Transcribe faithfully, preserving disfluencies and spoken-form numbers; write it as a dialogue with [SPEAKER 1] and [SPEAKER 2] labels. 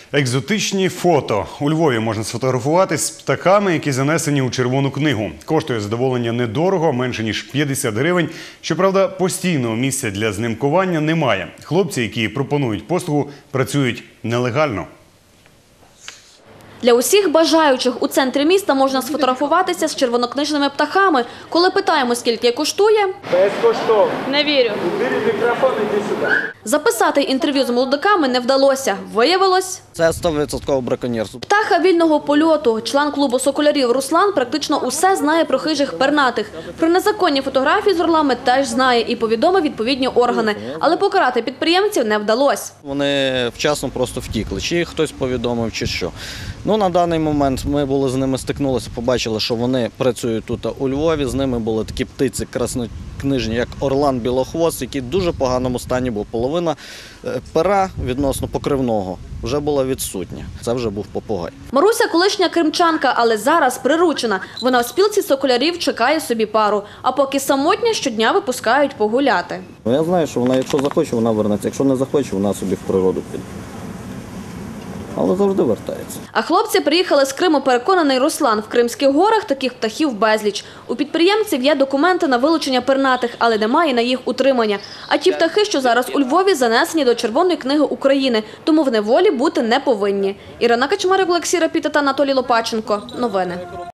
[SPEAKER 1] Екзотичні фото. У Львові можна сфотографуватись з птахами, які занесені у Червону книгу. Коштує задоволення недорого, менше ніж п'ятдесят гривень. Щоправда, постійного місця для знімкування немає. Хлопці, які пропонують послугу, працюють нелегально.
[SPEAKER 2] Для усіх бажаючих у центрі міста можна сфотографуватися з червонокнижними птахами. Коли питаємо, скільки коштує,
[SPEAKER 3] безкоштовно.
[SPEAKER 2] Не вірю.
[SPEAKER 3] Бери мікрофон, іди сюди.
[SPEAKER 2] Записати інтерв'ю з молодиками не вдалося. Виявилось,
[SPEAKER 4] Це сто відсотків браконьєрство.
[SPEAKER 2] птаха вільного польоту. Член клубу соколярів Руслан практично усе знає про хижих пернатих. Про незаконні фотографії з орлами теж знає і повідомив відповідні органи. Але покарати підприємців не вдалося.
[SPEAKER 4] Вони вчасно просто втікли. Чи їх хтось повідомив, чи що. Ну, на даний момент ми були з ними стикнулися, побачили, що вони працюють тут у Львові. З ними були такі птиці краснокнижні, як орлан білохвост, який в дуже поганому стані був. Половина пера відносно покривного вже була відсутня. Це вже був попугай.
[SPEAKER 2] Маруся – колишня кримчанка, але зараз приручена. Вона в спілці соколярів чекає собі пару. А поки самотня, щодня випускають погуляти.
[SPEAKER 4] Я знаю, що вона, якщо захоче, вона вернеться. Якщо не захоче, вона собі в природу піде. Але завжди вертається.
[SPEAKER 2] А хлопці приїхали з Криму, переконаний Руслан. В Кримських горах таких птахів безліч. У підприємців є документи на вилучення пернатих, але немає на їх утримання. А ті птахи, що зараз у Львові, занесені до Червоної книги України, тому в неволі бути не повинні. Ірина Качмарик, Олексій Рапіта та Анатолій Лопаченко. Новини.